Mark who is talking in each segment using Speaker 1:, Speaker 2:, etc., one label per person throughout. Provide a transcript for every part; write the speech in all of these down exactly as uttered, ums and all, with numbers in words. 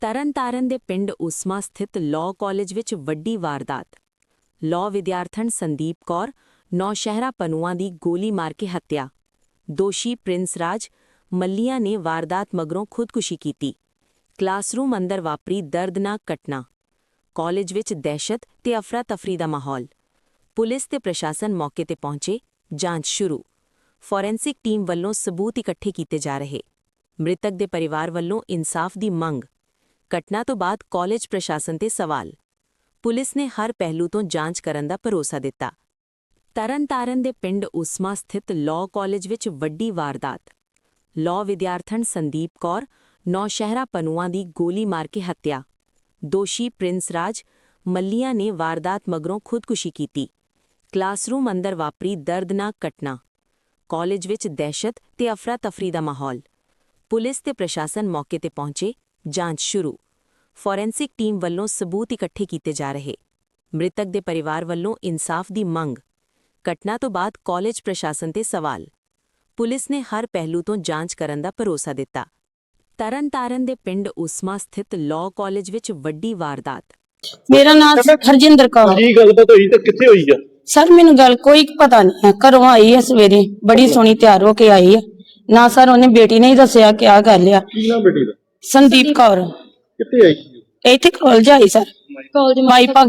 Speaker 1: ਤਰਨਤਾਰਨ ਦੇ ਪਿੰਡ ਉਸਮਾ ਸਥਿਤ ਲਾਅ ਕਾਲਜ ਵਿੱਚ ਵੱਡੀ ਵਾਰਦਾਤ। ਲਾਅ ਵਿਦਿਆਰਥਣ ਸੰਦੀਪ ਕੌਰ ਨੌਸ਼ਹਿਰਾ ਪਨੂਆਂ ਦੀ ਗੋਲੀ ਮਾਰ ਕੇ ਹੱਤਿਆ। ਦੋਸ਼ੀ ਪ੍ਰਿੰਸ ਰਾਜ ਮੱਲੀਆਂ ਨੇ ਵਾਰਦਾਤ ਮਗਰੋਂ ਖੁਦਕੁਸ਼ੀ ਕੀਤੀ। ਕਲਾਸਰੂਮ ਅੰਦਰ ਵਾਪਰੀ ਦਰਦਨਾਕ ਘਟਨਾ। ਕਾਲਜ ਵਿੱਚ ਦਹਿਸ਼ਤ ਤੇ ਅਫਰਾ-ਤਫਰੀ ਦਾ ਮਾਹੌਲ। ਪੁਲਿਸ ਤੇ ਪ੍ਰਸ਼ਾਸਨ ਮੌਕੇ ਤੇ ਪਹੁੰਚੇ। ਜਾਂਚ ਸ਼ੁਰੂ। ਫੋਰੈਂਸਿਕ ਟੀਮ ਵੱਲੋਂ ਸਬੂਤ ਇਕੱਠੇ ਕੀਤੇ ਜਾ ਰਹੇ। ਮ੍ਰਿਤਕ ਦੇ ਪਰਿਵਾਰ ਵੱਲੋਂ ਇਨਸਾਫ ਦੀ ਮੰਗ। ਘਟਨਾ ਤੋਂ ਬਾਅਦ ਕਾਲਜ ਪ੍ਰਸ਼ਾਸਨ ਤੇ ਸਵਾਲ। ਪੁਲਿਸ ਨੇ ਹਰ ਪਹਿਲੂ ਤੋਂ ਜਾਂਚ ਕਰਨ ਦਾ ਭਰੋਸਾ ਦਿੱਤਾ। ਤਰਨਤਾਰਨ ਦੇ ਪਿੰਡ ਉਸਮਾ ਸਥਿਤ ਲਾਅ ਕਾਲਜ ਵਿੱਚ ਵੱਡੀ ਵਾਰਦਾਤ। ਲਾਅ ਵਿਦਿਆਰਥਣ ਸੰਦੀਪ ਕੌਰ ਨੌਸ਼ਹਿਰਾ ਪਨੂਆਂ ਦੀ ਗੋਲੀ ਮਾਰ ਕੇ ਹੱਤਿਆ। ਦੋਸ਼ੀ ਪ੍ਰਿੰਸ ਰਾਜ ਮੱਲੀਆਂ ਨੇ ਵਾਰਦਾਤ ਮਗਰੋਂ ਖੁਦਕੁਸ਼ੀ ਕੀਤੀ। ਕਲਾਸਰੂਮ ਅੰਦਰ ਵਾਪਰੀ ਦਰਦਨਾਕ ਘਟਨਾ। ਕਾਲਜ ਵਿੱਚ ਦਹਿਸ਼ਤ ਤੇ ਅਫਰਾ-ਤਫਰੀ ਦਾ ਮਾਹੌਲ। ਪੁਲਿਸ ਤੇ ਪ੍ਰਸ਼ਾਸਨ ਮੌਕੇ ਤੇ ਪਹੁੰਚੇ। ਜਾਂਚ ਸ਼ੁਰੂ। ਫੋਰੈਂਸਿਕ ਟੀਮ ਵੱਲੋਂ ਸਬੂਤ ਇਕੱਠੇ ਕੀਤੇ ਜਾ ਰਹੇ। ਮ੍ਰਿਤਕ ਦੇ ਪਰਿਵਾਰ ਵੱਲੋਂ ਇਨਸਾਫ ਦੀ ਮੰਗ। ਘਟਨਾ ਤੋਂ ਬਾਅਦ ਕਾਲਜ ਪ੍ਰਸ਼ਾਸਨ ਤੇ ਸਵਾਲ। ਪੁਲਿਸ ਨੇ ਹਰ ਪਹਿਲੂ ਤੋਂ ਜਾਂਚ ਕਰਨ ਦਾ ਭਰੋਸਾ ਦਿੱਤਾ। ਤਰਨਤਾਰਨ ਦੇ ਪਿੰਡ ਉਸਮਾ ਸਥਿਤ ਲਾਅ ਕਾਲਜ ਵਿੱਚ ਵੱਡੀ ਵਾਰਦਾਤ।
Speaker 2: ਮੇਰਾ ਨਾਮ ਹਰਜਿੰਦਰ ਕੌਰ।
Speaker 3: ਕੀ ਗੱਲਬਾਤ ਹੋਈ ਤੇ ਕਿੱਥੇ ਹੋਈ ਆ?
Speaker 2: ਸਰ ਮੈਨੂੰ ਗੱਲ ਕੋਈ ਪਤਾ ਨਹੀਂ ਹੈ। ਘਰੋਂ ਆਈ ਹੈ ਸਵੇਰੇ, ਬੜੀ ਸੋਹਣੀ ਤਿਆਰ ਹੋ ਕੇ ਆਈ ਹੈ। ਨਾ ਸਰ ਉਹਨੇ ਬੇਟੀ ਨੇ ਹੀ ਦੱਸਿਆ ਕਿ ਆ ਗੱਲ ਆ।
Speaker 3: ਕੀ ਨਾਮ ਬੇਟੀ ਦਾ?
Speaker 2: ਸੰਦੀਪ ਕੌਰ।
Speaker 3: ਕਿੱਥੇ ਆਈ ਸੀ?
Speaker 2: ਇੱਥੇ ਕਾਲਜ ਆਈ ਸਰ, ਕਾਲਜ ਮਾਈ ਭਗ।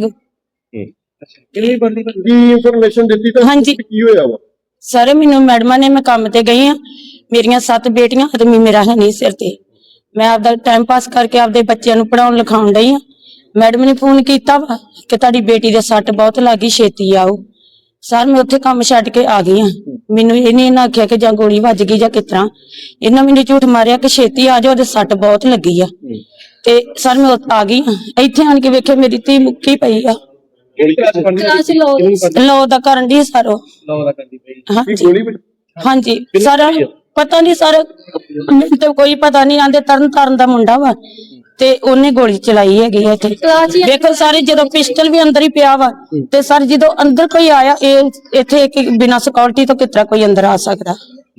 Speaker 3: ਕਿੰਨੀ ਬੰਦੀ ਕੀ ਇਨਫੋਰਮੇਸ਼ਨ ਦਿੱਤੀ ਤਾਂ
Speaker 2: ਹਾਂਜੀ।
Speaker 3: ਕੀ ਹੋਇਆ ਵਾ?
Speaker 2: ਸਰ ਮੈਨੂੰ ਮੈਡਮਾਂ ਨੇ, ਮੈਂ ਕੰਮ ਤੇ ਗਈ ਆ, ਮੇਰੀਆਂ ਸੱਤ ਬੇਟੀਆਂ, ਆਦਮੀ ਮੇਰਾ ਹੈ ਨਹੀਂ ਸਿਰ ਤੇ। ਮੈਂ ਆਪਦਾ ਟਾਈਮ ਪਾਸ ਕਰਕੇ ਆਪਦੇ ਬੱਚਿਆਂ ਨੂੰ ਪੜਾਉਣ ਲਿਖਾਉਣ ਡਈ ਆ। ਮੈਡਮ ਨੇ ਫੋਨ ਕੀਤਾ ਵਾ ਕਿ ਤੁਹਾਡੀ ਬੇਟੀ ਦੇ ਸੱਟ ਬਹੁਤ ਲੱਗੀ, ਛੇਤੀ ਆਓ। ਸਰ ਮੈਂ ਉੱਥੇ ਕੰਮ ਛੱਡ ਕੇ ਆ ਗਈ ਆ। ਮੈਨੂੰ ਇਹ ਨਹੀਂ ਆਖਿਆ ਕਿ ਜਾਂ ਗੋਲੀ ਵੱਜ ਗਈ ਜਾਂ ਕਿਸ ਤਰ੍ਹਾਂ। ਇਹਨਾਂ ਮੈਨੂੰ ਝੂਠ ਮਾਰਿਆ ਕਿ ਛੇਤੀ ਆ ਜਾਓ, ਉਹਦੇ ਸੱਟ ਬਹੁਤ ਲੱਗੀ ਆ। ਤੇ ਸਰ ਮੈਂ ਆ ਗਈ ਆ। ਇੱਥੇ ਆਣ ਕੇ ਵੇਖਿਆ ਮੇਰੀ ਧੀ ਮੁੱਕੀ ਪਈ ਆ। ਲੋ ਦਾ ਕਰਨ ਦੀ ਸਰ ਉਹ ਹਾਂਜੀ ਸਰ ਪਤਾ ਨਹੀਂ ਸਰ, ਮੈਨੂੰ ਤੇ ਕੋਈ ਪਤਾ ਨਹੀਂ। ਆਂਦੇ ਤਰਨ ਤਾਰਨ ਦਾ ਮੁੰਡਾ ਵਾ ਤੇ ਉਹਨੇ ਗੋਲੀ ਚਲਾਈ ਹੈਗੀ ਇੱਥੇ। ਦੇਖੋ ਸਾਰੇ ਜਦੋਂ ਪਿਸਟਲ ਵੀ ਅੰਦਰ ਹੀ ਪਿਆ ਵਾ ਤੇ ਸਰ ਜਦੋਂ ਅੰਦਰ ਕੋਈ ਆਇਆ, ਇਹ ਇੱਥੇ ਇੱਕ ਬਿਨਾਂ ਸਿਕਿਉਰਿਟੀ ਤੋਂ ਕਿਤਰਾ ਕੋਈ ਅੰਦਰ ਆ ਸਕਦਾ?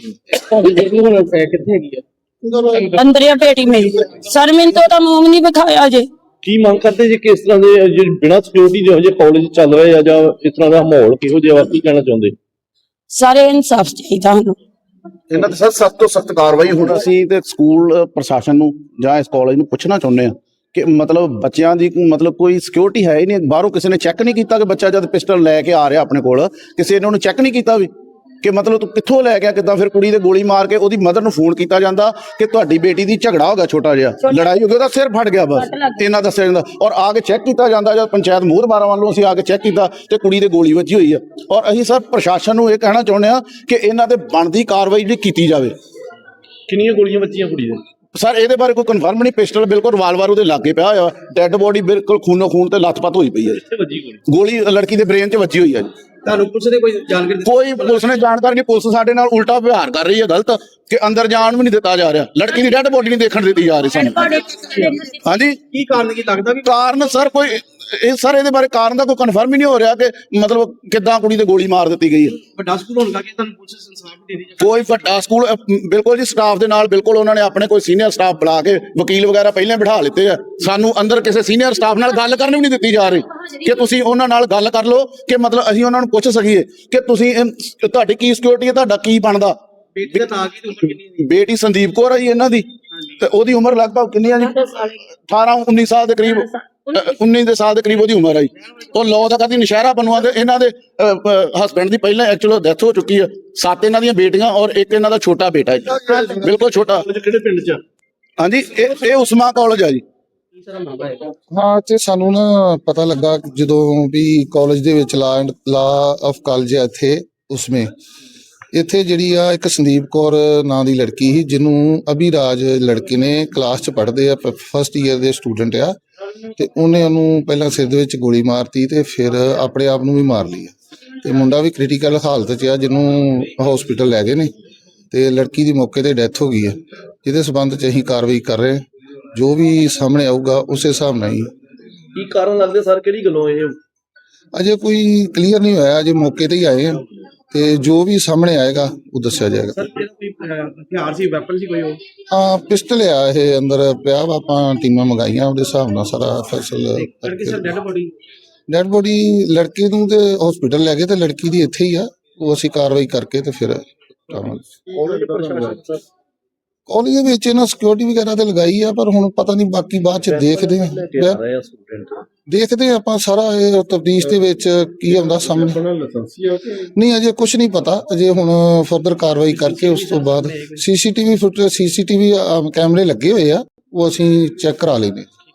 Speaker 3: ਕਿੱਥੇ ਹੈਗੀ ਆ?
Speaker 2: ਅੰਦਰ ਆ ਬੇਟੀ ਮੇਰੀ। ਸਰ ਮੈਨੂੰ ਤਾਂ ਉਹਦਾ ਮੂੰਹ ਨਹੀਂ ਵਿਖਾਇਆ ਜੇ।
Speaker 3: ਕੀ ਮੰਗ ਕਰਦੇ ਜੀ? ਕਿਸ ਤਰ੍ਹਾਂ ਦੇ ਬਿਨਾਂ ਸਿਕਿਉਰਿਟੀ ਜਿਹੋ ਜਿਹੇ ਕਾਲਜ ਚੱਲ ਰਹੇ ਆ ਜਾਂ ਇਸ ਤਰ੍ਹਾਂ ਦਾ ਮਾਹੌਲ ਕਿਹੋ ਜਿਹਾ, ਕੀ ਕਹਿਣਾ ਚਾਹੁੰਦੇ?
Speaker 2: ਸਾਰੇ ਇਨਸਾਫ ਚਾਹੀਦਾ ਸਾਨੂੰ।
Speaker 4: ਇਹਨਾਂ ਤੇ ਸਰ ਸਖਤ ਤੋਂ ਸਖਤ ਕਾਰਵਾਈ ਹੋਣੀ। ਅਸੀਂ ਤੇ ਸਕੂਲ ਪ੍ਰਸ਼ਾਸਨ ਨੂੰ ਜਾਂ ਇਸ ਕਾਲਜ ਨੂੰ ਪੁੱਛਣਾ ਚਾਹੁੰਦੇ ਆ ਕਿ ਮਤਲਬ ਬੱਚਿਆਂ ਦੀ ਮਤਲਬ ਕੋਈ ਸਿਕਿਉਰਿਟੀ ਹੈ ਹੀ ਨਹੀਂ। ਬਾਹਰੋਂ ਕਿਸੇ ਨੇ ਚੈੱਕ ਨਹੀਂ ਕੀਤਾ ਕਿ ਬੱਚਾ ਜਦ ਪਿਸਟਲ ਲੈ ਕੇ ਆ ਰਿਹਾ ਆਪਣੇ ਕੋਲ, ਕਿਸੇ ਨੇ ਉਹਨੂੰ ਚੈੱਕ ਨਹੀਂ ਕੀਤਾ ਵੀ ਕਿ ਮਤਲਬ ਤੂੰ ਕਿੱਥੋਂ ਲੈ ਗਿਆ, ਕਿੱਦਾਂ? ਫਿਰ ਕੁੜੀ ਦੇ ਗੋਲੀ ਮਾਰ ਕੇ ਉਹਦੀ ਮਦਰ ਨੂੰ ਫੋਨ ਕੀਤਾ ਜਾਂਦਾ ਕਿ ਤੁਹਾਡੀ ਬੇਟੀ ਦੀ ਝਗੜਾ ਹੋ ਗਿਆ, ਛੋਟਾ ਜਿਹਾ ਲੜਾਈ ਹੋ ਗਈ, ਉਹਦਾ ਸਿਰ ਫਟ ਗਿਆ, ਬਸ ਇਹਨਾਂ ਦੱਸਿਆ ਜਾਂਦਾ। ਔਰ ਆ ਕੇ ਚੈੱਕ ਕੀਤਾ ਜਾਂਦਾ, ਜਦ ਪੰਚਾਇਤ ਮੋਹਰਬਾਰਾਂ ਵੱਲੋਂ ਅਸੀਂ ਆ ਕੇ ਚੈੱਕ ਕੀਤਾ ਤੇ ਕੁੜੀ ਦੇ ਗੋਲੀ ਵੱਜੀ ਹੋਈ ਆ। ਔਰ ਅਸੀਂ ਸਰ ਪ੍ਰਸ਼ਾਸਨ ਨੂੰ ਇਹ ਕਹਿਣਾ ਚਾਹੁੰਦੇ ਆ ਕਿ ਇਹਨਾਂ ਤੇ ਬਣਦੀ ਕਾਰਵਾਈ ਜਿਹੜੀ ਕੀਤੀ ਜਾਵੇ।
Speaker 3: ਕਿੰਨੀਆਂ ਗੋਲੀਆਂ ਵੱਜੀਆਂ ਕੁੜੀ ਦੇ?
Speaker 4: ਸਰ ਇਹਦੇ ਬਾਰੇ ਕੋਈ ਕਨਫਰਮ ਨਹੀਂ। ਪਿਸਟਲ ਬਿਲਕੁਲ ਰਿਵਾਲਵਰ ਉਹਦੇ ਲਾਗੇ ਪਿਆ ਹੋਇਆ। ਡੈੱਡ ਬੋਡੀ ਬਿਲਕੁਲ ਖੂਨੋ ਖੂਨ ਤੇ ਲੱਥਪੱਥ ਹੋਈ ਪਈ ਹੈ ਜੀ। ਗੋਲੀ ਲੜਕੀ ਦੇ ਬ੍ਰੇਨ 'ਚ ਵੱਜੀ ਹੋਈ ਹੈ ਜੀ।
Speaker 3: ਤੁਹਾਨੂੰ ਪੁਲਿਸ ਨੇ ਕੋਈ ਜਾਣਕਾਰੀ? ਕੋਈ
Speaker 4: ਪੁਲਿਸ ਨੇ ਜਾਣਕਾਰੀ ਨਹੀਂ। ਪੁਲਿਸ ਸਾਡੇ ਨਾਲ ਉਲਟਾ ਵਿਵਹਾਰ ਕਰ ਰਹੀ ਹੈ, ਗਲਤ, ਕਿ ਅੰਦਰ ਜਾਣ ਵੀ ਨਹੀਂ ਦਿੱਤਾ ਜਾ ਰਿਹਾ। ਲੜਕੀ ਦੀ ਡੈੱਡ ਬੋਡੀ ਨਹੀਂ ਦੇਖਣ ਦਿੱਤੀ ਜਾ ਰਹੀ ਸਾਨੂੰ। ਹਾਂਜੀ
Speaker 3: ਕੀ ਕਾਰਨ ਕੀ ਲੱਗਦਾ? ਵੀ
Speaker 4: ਕਾਰਨ ਸਰ ਕੋਈ ਇਹ ਸਰ ਇਹਦੇ ਬਾਰੇ ਕਾਰਨ ਦਾ ਕੋਈ ਕਨਫਰਮ ਹੀ ਨਹੀਂ ਹੋ ਰਿਹਾ ਕਿ ਮਤਲਬ ਕਿੱਦਾਂ ਕੁੜੀ ਤੇ ਗੋਲੀ ਮਾਰ ਦਿੱਤੀ ਗਈ ਹੈ।
Speaker 3: ਵੱਡਾ ਸਕੂਲ ਹੋਣ ਕਰਕੇ ਤੁਹਾਨੂੰ ਪੁਲਿਸ ਇਨਸਾਫ ਦੇਣੀ ਚਾਹੀਦੀ।
Speaker 4: ਕੋਈ ਵੱਡਾ ਸਕੂਲ ਬਿਲਕੁਲ ਜੀ, ਸਟਾਫ ਦੇ ਨਾਲ ਬਿਲਕੁਲ ਉਹਨਾਂ ਨੇ ਆਪਣੇ ਕੋਈ ਸੀਨੀਅਰ ਸਟਾਫ ਬੁਲਾ ਕੇ ਵਕੀਲ ਵਗੈਰਾ ਪਹਿਲਾਂ ਬਿਠਾ ਲਿੱਤੇ ਆ। ਸਾਨੂੰ ਅੰਦਰ ਕਿਸੇ ਸੀਨੀਅਰ ਸਟਾਫ ਨਾਲ ਗੱਲ ਕਰਨ ਵੀ ਨਹੀਂ ਦਿੱਤੀ ਜਾ ਰਹੀ ਕਿ ਤੁਸੀਂ ਉਹਨਾਂ ਨਾਲ ਗੱਲ ਕਰ ਲਓ ਕਿ ਮਤਲਬ ਅਸੀਂ ਉਹਨਾਂ ਨੂੰ ਪੁੱਛ ਸਕੀਏ ਕਿ ਤੁਸੀਂ ਤੁਹਾਡੀ ਕੀ ਸਿਕਿਉਰਿਟੀ ਹੈ, ਤੁਹਾਡਾ ਕੀ ਬਣਦਾ।
Speaker 3: ਬੇਟੀ ਦਾ ਨਾਂ ਕੀ ਤੇ ਉਮਰ ਕਿੰਨੀ?
Speaker 4: ਬੇਟੀ ਸੰਦੀਪ ਕੌਰ ਹੈ ਜੀ ਇਹਨਾਂ ਦੀ, ਤੇ ਉਹਦੀ ਉਮਰ ਲਗਭਗ ਕਿੰਨੀ ਆ ਜੀ? ਅਠਾਰਾਂ ਉੱਨੀ ਸਾਲ ਦੇ ਕਰੀਬ, ਉੱਨੀ ਦੇ ਸਾਲ ਦੇ ਕਰੀਬ ਉਹਦੀ ਉਮਰ ਹੈ ਜੀ। ਉਹ ਲਾਅ ਦਾ ਕਰਦੀ ਨੌਸ਼ਹਿਰਾ ਪਨੂਆਂ ਦੇ। ਇਹਨਾਂ ਦੇ ਹਸਬੈਂਡ ਦੀ ਪਹਿਲਾਂ ਐਕਚੁਅਲ ਡੈਥ ਹੋ ਚੁੱਕੀ ਹੈ। ਸੱਤ ਇਹਨਾਂ ਦੀਆਂ ਬੇਟੀਆਂ ਔਰ ਇੱਕ ਇਹਨਾਂ ਦਾ ਛੋਟਾ ਬੇਟਾ ਹੈ, ਬਿਲਕੁਲ ਛੋਟਾ।
Speaker 3: ਕਿਹੜੇ ਪਿੰਡ 'ਚ?
Speaker 4: ਹਾਂਜੀ ਇਹ ਇਹ ਉਸਮਾ ਕਾਲਜ ਆ ਜੀ।
Speaker 5: ਹਾਂ ਤੇ ਸਾਨੂੰ ਨਾ ਪਤਾ ਲੱਗਾ ਜਦੋਂ ਵੀ ਕਾਲਜ ਦੇ ਵਿੱਚ ਲਾ ਲਾ ਆਫ ਕਾਲਜ ਹੈ ਇੱਥੇ ਉਸਮੇ, ਇੱਥੇ ਜਿਹੜੀ ਆ ਇੱਕ ਸੰਦੀਪ ਕੌਰ ਨਾਂ ਦੀ ਲੜਕੀ ਸੀ, ਜਿਹਨੂੰ ਅਭਿਰਾਜ ਲੜਕੇ ਨੇ, ਕਲਾਸ 'ਚ ਪੜ੍ਹਦੇ ਆ, ਫਸਟ ਈਅਰ ਦੇ ਸਟੂਡੈਂਟ ਆ, ਤੇ ਉਹਨੇ ਉਹਨੂੰ ਪਹਿਲਾਂ ਸਿਰ ਦੇ ਵਿੱਚ ਗੋਲੀ ਮਾਰਤੀ ਤੇ ਫਿਰ ਆਪਣੇ ਆਪ ਨੂੰ ਵੀ ਮਾਰ ਲਈ। ਤੇ ਮੁੰਡਾ ਵੀ ਕ੍ਰਿਟੀਕਲ ਹਾਲਤ 'ਚ ਆ, ਜਿਹਨੂੰ ਹਸਪੀਟਲ ਲੈ ਗਏ ਨੇ ਤੇ ਲੜਕੀ ਦੀ ਮੌਕੇ ਤੇ ਡੈਥ ਹੋ ਗਈ ਹੈ। ਜਿਹਦੇ ਸਬੰਧ 'ਚ ਅਸੀਂ ਕਾਰਵਾਈ ਕਰ ਰਹੇ। ਜੋ ਵੀ ਸਾਹਮਣੇ ਆਊਗਾ ਉਸੇ ਹਿਸਾਬ ਨਾਲ ਹੀ।
Speaker 3: ਕੀ ਕਾਰਨ ਲੱਗਦੇ ਸਰ? ਕਿਹੜੀ ਗੱਲੋਂ ਇਹ
Speaker 5: ਅਜੇ ਕੋਈ ਕਲੀਅਰ ਨਹੀਂ ਹੋਇਆ, ਅਜੇ ਮੌਕੇ ਤੇ ਹੀ ਆਏ ਆ ਤੇ ਜੋ ਵੀ ਸਾਹਮਣੇ ਆਏਗਾ ਉਹ ਦੱਸਿਆ ਜਾਏਗਾ।
Speaker 3: ਸਰ ਕੋਈ
Speaker 6: ਅਹ, ਹਥਿਆਰ ਸੀ, ਵੈਪਨ ਸੀ ਕੋਈ ਉਹ?
Speaker 5: ਹਾਂ ਪਿਸਟਲ ਆ ਇਹ ਅੰਦਰ ਪਿਆ ਵਾ, ਆਪਾਂ ਟੀਮਾਂ ਮੰਗਾਈਆਂ ਉਹਦੇ ਹਿਸਾਬ ਨਾਲ ਸਾਰਾ ਫੈਸਲ
Speaker 6: ਲੜਕੀ sir dead body?
Speaker 5: Dead body ਲੜਕੇ ਨੂੰ ਤੇ ਹਸਪੀਟਲ ਲੈ ਗਏ ਤੇ ਲੜਕੀ ਦੀ ਇੱਥੇ ਹੀ ਆ, ਉਹ ਅਸੀਂ ਕਾਰਵਾਈ ਕਰਕੇ ਤੇ ਫਿਰ ਕਾਲਜ ਦੇ ਵਿੱਚ ਇਹਨਾਂ ਸਿਕਿਉਰਿਟੀ ਵਗੈਰਾ ਤੇ ਲਗਾਈ ਆ, ਪਰ ਹੁਣ ਪਤਾ ਨਹੀਂ ਬਾਕੀ ਬਾਅਦ ਚ ਦੇਖਦੇ ਆ ਦੇਖਦੇ ਆ ਆਪਾਂ ਸਾਰਾ ਇਹ ਤਫਤੀਸ਼ ਦੇ ਵਿੱਚ ਕੀ ਆਉਂਦਾ ਸਾਹਮਣੇ। ਨਹੀਂ ਅਜੇ ਕੁਝ ਨਹੀਂ ਪਤਾ, ਅਜੇ ਹੁਣ ਫਰਦਰ ਕਾਰਵਾਈ ਕਰਕੇ ਉਸ ਤੋਂ ਬਾਅਦ ਸੀਸੀਟੀਵੀ ਫੁਟੇਜ ਸੀਸੀਟੀਵੀ ਕੈਮਰੇ ਲੱਗੇ ਹੋਏ ਆ, ਉਹ ਅਸੀਂ ਚੈੱਕ ਕਰਾ ਲੈਨੇ।